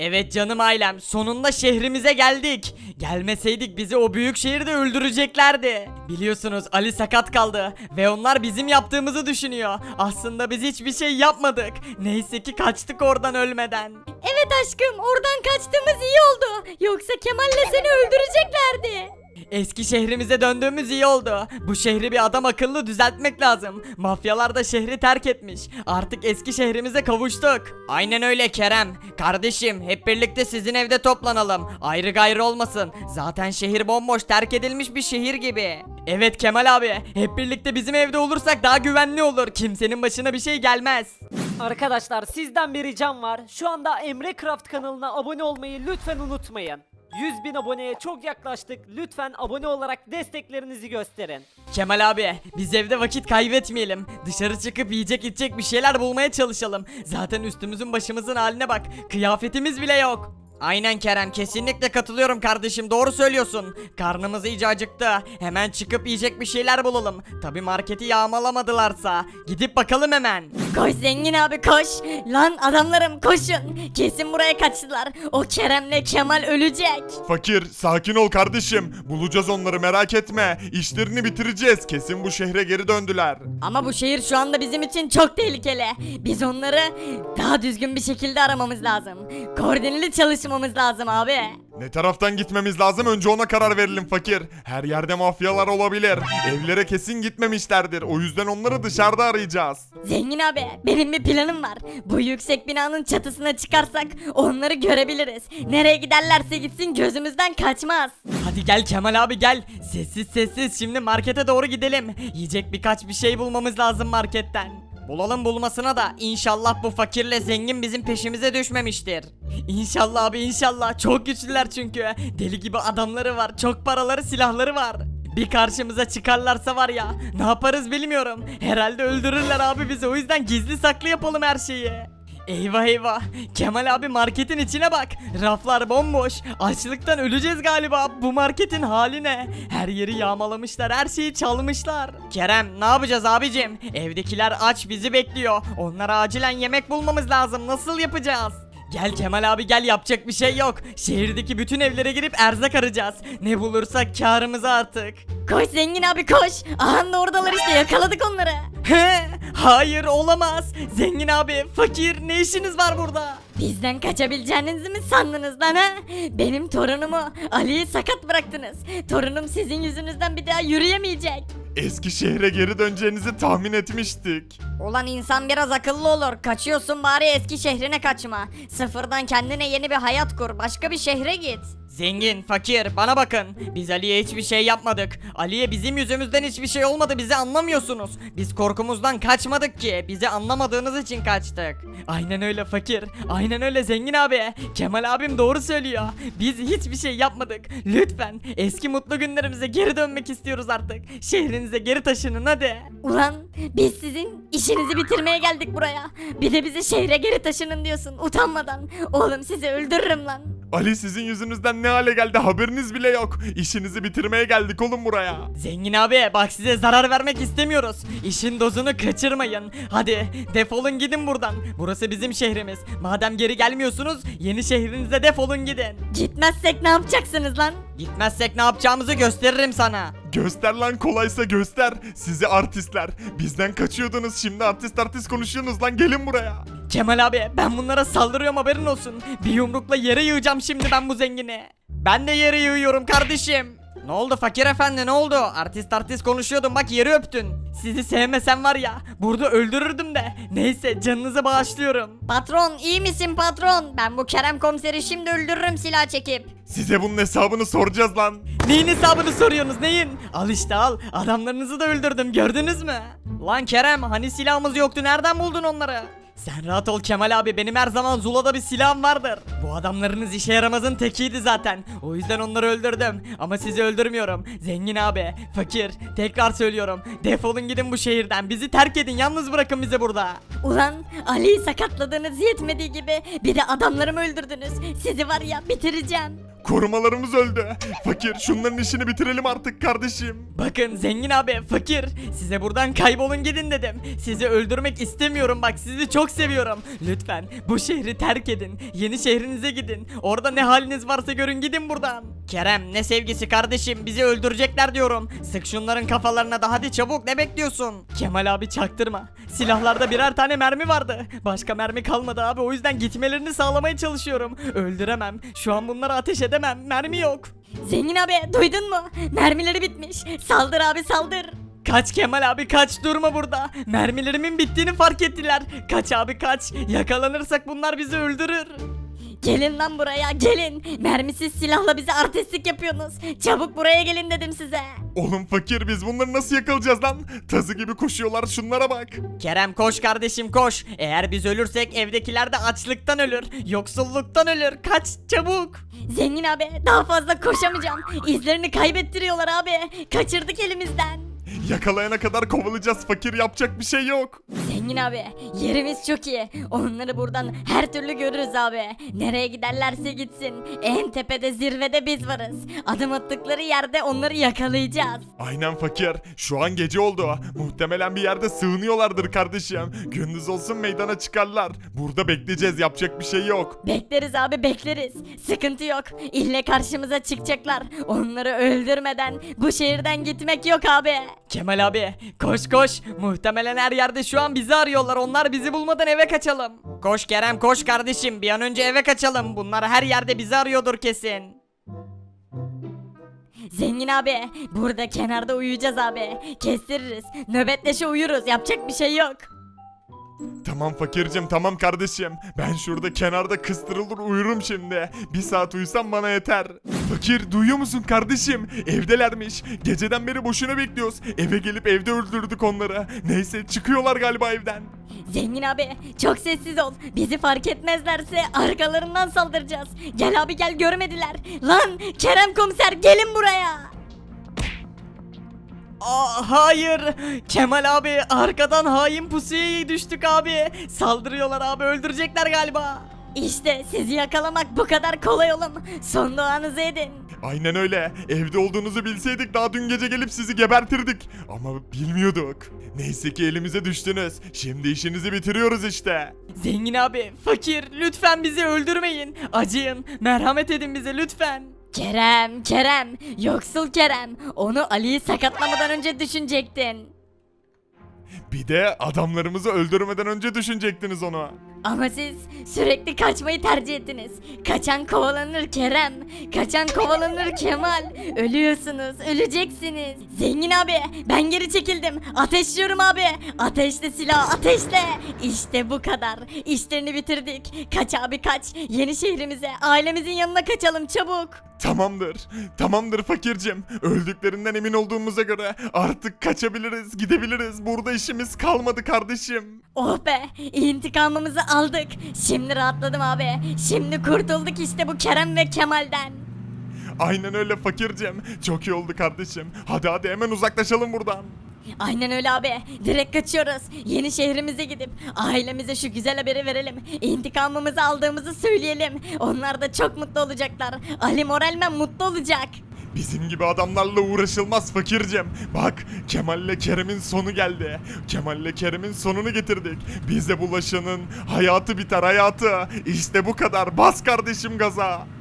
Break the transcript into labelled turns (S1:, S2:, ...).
S1: Evet canım ailem, sonunda şehrimize geldik. Gelmeseydik bizi o büyük şehirde öldüreceklerdi. Biliyorsunuz Ali sakat kaldı ve onlar bizim yaptığımızı düşünüyor. Aslında biz hiçbir şey yapmadık. Neyse ki kaçtık oradan ölmeden.
S2: Evet aşkım, oradan kaçtığımız iyi oldu. Yoksa Kemal'le seni öldüreceklerdi.
S1: Eski şehrimize döndüğümüz iyi oldu. Bu şehri bir adam akıllı düzeltmek lazım. Mafyalar da şehri terk etmiş. Artık eski şehrimize kavuştuk. Aynen öyle Kerem. Kardeşim hep birlikte sizin evde toplanalım. Ayrı gayrı olmasın. Zaten şehir bomboş, terk edilmiş bir şehir gibi. Evet Kemal abi. Hep birlikte bizim evde olursak daha güvenli olur. Kimsenin başına bir şey gelmez.
S3: Arkadaşlar sizden bir ricam var. Şu anda Emre Craft kanalına abone olmayı lütfen unutmayın. 100.000 aboneye çok yaklaştık. Lütfen abone olarak desteklerinizi gösterin.
S1: Kemal abi biz evde vakit kaybetmeyelim. Dışarı çıkıp yiyecek içecek bir şeyler bulmaya çalışalım. Zaten üstümüzün başımızın haline bak. Kıyafetimiz bile yok. Aynen Kerem, kesinlikle katılıyorum kardeşim, doğru söylüyorsun. Karnımız iyice acıktı. Hemen çıkıp yiyecek bir şeyler bulalım. Tabi marketi yağmalamadılarsa. Gidip bakalım hemen.
S2: Koş zengin abi koş. Lan adamlarım koşun. Kesin buraya kaçtılar. O Kerem'le Kemal ölecek.
S4: Fakir, sakin ol kardeşim. Bulacağız onları, merak etme. İşlerini bitireceğiz. Kesin bu şehre geri döndüler.
S2: Ama bu şehir şu anda bizim için çok tehlikeli. Biz onları daha düzgün bir şekilde aramamız lazım. Koordineli çalışmamız lazım abi.
S4: Ne taraftan gitmemiz lazım, önce ona karar verelim fakir. Her yerde mafyalar olabilir. Evlere kesin gitmemişlerdir. O yüzden onları dışarıda arayacağız.
S2: Zengin abi benim bir planım var. Bu yüksek binanın çatısına çıkarsak onları görebiliriz. Nereye giderlerse gitsin gözümüzden kaçmaz.
S1: Hadi gel Kemal abi gel. Sessiz sessiz şimdi markete doğru gidelim. Yiyecek birkaç bir şey bulmamız lazım marketten. Bulalım bulmasına da inşallah bu fakirle zengin bizim peşimize düşmemiştir. İnşallah abi inşallah, çok güçlüler çünkü. Deli gibi adamları var, çok paraları, silahları var. Bir karşımıza çıkarlarsa var ya, ne yaparız bilmiyorum. Herhalde öldürürler abi bizi, o yüzden gizli saklı yapalım her şeyi. Eyvah eyvah, Kemal abi marketin içine bak, raflar bomboş, açlıktan öleceğiz galiba. Bu marketin hali ne? Her yeri yağmalamışlar, her şeyi çalmışlar. Kerem ne yapacağız abicim? Evdekiler aç bizi bekliyor, onlara acilen yemek bulmamız lazım, nasıl yapacağız? Gel Kemal abi gel, yapacak bir şey yok. Şehirdeki bütün evlere girip erzak arayacağız. Ne bulursak kârımız artık.
S2: Koş zengin abi koş. Aha da oradalar işte, yakaladık onları.
S1: He, hayır olamaz. Zengin abi, fakir, ne işiniz var burada?
S2: Bizden kaçabileceğinizi mi sandınız lan ha? Benim torunumu Ali'yi sakat bıraktınız. Torunum sizin yüzünüzden bir daha yürüyemeyecek.
S4: Eski şehre geri döneceğinizi tahmin etmiştik.
S2: Ulan insan biraz akıllı olur. Kaçıyorsun bari eski şehrine kaçma. Sıfırdan kendine yeni bir hayat kur. Başka bir şehre git.
S1: Zengin, fakir, bana bakın. Biz Ali'ye hiçbir şey yapmadık. Ali'ye bizim yüzümüzden hiçbir şey olmadı, bizi anlamıyorsunuz. Biz korkumuzdan kaçmadık ki. Bizi anlamadığınız için kaçtık. Aynen öyle fakir. Aynen öyle zengin abi. Kemal abim doğru söylüyor. Biz hiçbir şey yapmadık. Lütfen eski mutlu günlerimize geri dönmek istiyoruz artık. Şehrinize geri taşının hadi.
S2: Ulan biz sizin işinizi bitirmeye geldik buraya. Bir de bize şehre geri taşının diyorsun utanmadan. Oğlum sizi öldürürüm lan.
S4: Ali sizin yüzünüzden ne hale geldi, haberiniz bile yok. İşinizi bitirmeye geldik oğlum buraya.
S1: Zengin abi bak, size zarar vermek istemiyoruz. İşin dozunu kaçırmayın. Hadi defolun gidin buradan. Burası bizim şehrimiz. Madem geri gelmiyorsunuz yeni şehrinize defolun gidin.
S2: Gitmezsek ne yapacaksınız lan?
S1: Gitmezsek ne yapacağımızı gösteririm sana.
S4: Göster lan, kolaysa göster. Sizi artistler. Bizden kaçıyordunuz, şimdi artist konuşuyorsunuz lan, gelin buraya.
S1: Kemal abi ben bunlara saldırıyorum, haberin olsun. Bir yumrukla yere yığacağım şimdi ben bu zengini. Ben de yere yığıyorum kardeşim. Ne oldu fakir efendi, ne oldu? Artist konuşuyordun, bak yeri öptün. Sizi sevmesem var ya burada öldürürdüm de. Neyse canınızı bağışlıyorum.
S2: Patron iyi misin patron? Ben bu Kerem komiseri şimdi öldürürüm silah çekip.
S4: Size bunun hesabını soracağız lan.
S1: Neyin hesabını soruyorsunuz, neyin? Al işte al, adamlarınızı da öldürdüm, gördünüz mü? Lan Kerem hani silahımız yoktu, nereden buldun onları? Sen rahat ol Kemal abi, benim her zaman Zula'da bir silahım vardır. Bu adamlarınız işe yaramazın tekiydi zaten. O yüzden onları öldürdüm. Ama sizi öldürmüyorum. Zengin abi, fakir, tekrar söylüyorum. Defolun gidin bu şehirden. Bizi terk edin, yalnız bırakın bizi burada.
S2: Ulan Ali'yi sakatladığınız yetmediği gibi bir de adamlarımı öldürdünüz. Sizi var ya bitireceğim.
S4: Korumalarımız öldü. Fakir şunların işini bitirelim artık kardeşim.
S1: Bakın zengin abi, fakir, size buradan kaybolun gidin dedim. Sizi öldürmek istemiyorum, bak sizi çok seviyorum. Lütfen bu şehri terk edin. Yeni şehrinize gidin. Orada ne haliniz varsa görün, gidin buradan. Kerem, ne sevgisi kardeşim, bizi öldürecekler diyorum. Sık şunların kafalarına da, hadi çabuk, ne bekliyorsun? Kemal abi çaktırma. Silahlarda birer tane mermi vardı. Başka mermi kalmadı abi, o yüzden gitmelerini sağlamaya çalışıyorum. Öldüremem. Şu an bunlara ateş edemem. Mermi yok.
S2: Zengin abi duydun mu? Mermileri bitmiş. Saldır abi saldır.
S1: Kaç Kemal abi kaç, durma burada. Mermilerimin bittiğini fark ettiler. Kaç abi kaç. Yakalanırsak bunlar bizi öldürür.
S2: Gelin lan buraya gelin. Mermisiz silahla bize artistlik yapıyorsunuz. Çabuk buraya gelin dedim size.
S4: Oğlum fakir biz bunları nasıl yakalayacağız lan? Tazı gibi koşuyorlar şunlara bak.
S1: Kerem koş kardeşim koş. Eğer biz ölürsek evdekiler de açlıktan ölür. Yoksulluktan ölür. Kaç çabuk.
S2: Zengin abi daha fazla koşamayacağım. İzlerini kaybettiriyorlar abi. Kaçırdık elimizden.
S4: Yakalayana kadar kovalayacağız fakir, yapacak bir şey yok.
S2: Zengin abi yerimiz çok iyi. Onları buradan her türlü görürüz abi. Nereye giderlerse gitsin. En tepede zirvede biz varız. Adım attıkları yerde onları yakalayacağız.
S4: Aynen fakir. Şu an gece oldu. Muhtemelen bir yerde sığınıyorlardır kardeşim. Gündüz olsun meydana çıkarlar. Burada bekleyeceğiz, yapacak bir şey yok.
S2: Bekleriz abi bekleriz. Sıkıntı yok. İlle karşımıza çıkacaklar. Onları öldürmeden bu şehirden gitmek yok abi.
S1: Kemal abi koş koş. Muhtemelen her yerde şu an bizi arıyorlar. Onlar bizi bulmadan eve kaçalım. Koş Kerem koş kardeşim. Bir an önce eve kaçalım. Bunlar her yerde bizi arıyordur kesin.
S2: Zengin abi burada kenarda uyuyacağız abi. Kestiririz. Nöbetleşe uyuruz. Yapacak bir şey yok.
S4: Tamam fakircim, tamam kardeşim. Ben şurada kenarda kıstırılır uyurum şimdi. Bir saat uyusam bana yeter. Fakir duyuyor musun kardeşim? Evdelermiş. Geceden beri boşuna bekliyoruz. Eve gelip evde öldürdük onları. Neyse çıkıyorlar galiba evden.
S2: Zengin abi çok sessiz ol. Bizi fark etmezlerse arkalarından saldıracağız. Gel abi gel görmediler. Lan Kerem komiser gelin buraya.
S1: Hayır. Kemal abi arkadan hain pusuya düştük abi. Saldırıyorlar abi, öldürecekler galiba.
S2: İşte sizi yakalamak bu kadar kolay oğlum. Son duanızı edin.
S4: Aynen öyle. Evde olduğunuzu bilseydik daha dün gece gelip sizi gebertirdik. Ama bilmiyorduk. Neyse ki elimize düştünüz. Şimdi işinizi bitiriyoruz işte.
S1: Zengin abi, fakir, lütfen bizi öldürmeyin. Acıyın, merhamet edin bize lütfen.
S2: Kerem, yoksul Kerem. Onu Ali'yi sakatlamadan önce düşünecektin.
S4: Bir de adamlarımızı öldürmeden önce düşünecektiniz onu.
S2: Ama siz sürekli kaçmayı tercih ettiniz. Kaçan kovalanır Kerem. Kaçan kovalanır Kemal. Ölüyorsunuz, öleceksiniz. Zengin abi, ben geri çekildim. Ateşliyorum abi. Ateşle silah, ateşle. İşte bu kadar. İşlerini bitirdik. Kaç abi kaç. Yeni şehrimize, ailemizin yanına kaçalım çabuk.
S4: Tamamdır. Tamamdır fakircim. Öldüklerinden emin olduğumuza göre artık kaçabiliriz, gidebiliriz. Burada işimiz kalmadı kardeşim.
S2: Oh be, intikamımızı aldık. Şimdi rahatladım abi. Şimdi kurtulduk işte bu Kerem ve Kemal'den.
S4: Aynen öyle fakircim. Çok iyi oldu kardeşim. Hadi hemen uzaklaşalım buradan.
S2: Aynen öyle abi. Direkt kaçıyoruz. Yeni şehrimize gidip ailemize şu güzel haberi verelim. İntikamımızı aldığımızı söyleyelim. Onlar da çok mutlu olacaklar. Ali moralmen mutlu olacak.
S4: Bizim gibi adamlarla uğraşılmaz fakircim. Bak Kemal'le Kerem'in sonu geldi. Kemal'le Kerem'in sonunu getirdik. Bize bulaşanın hayatı biter hayatı. İşte bu kadar. Bas kardeşim gaza.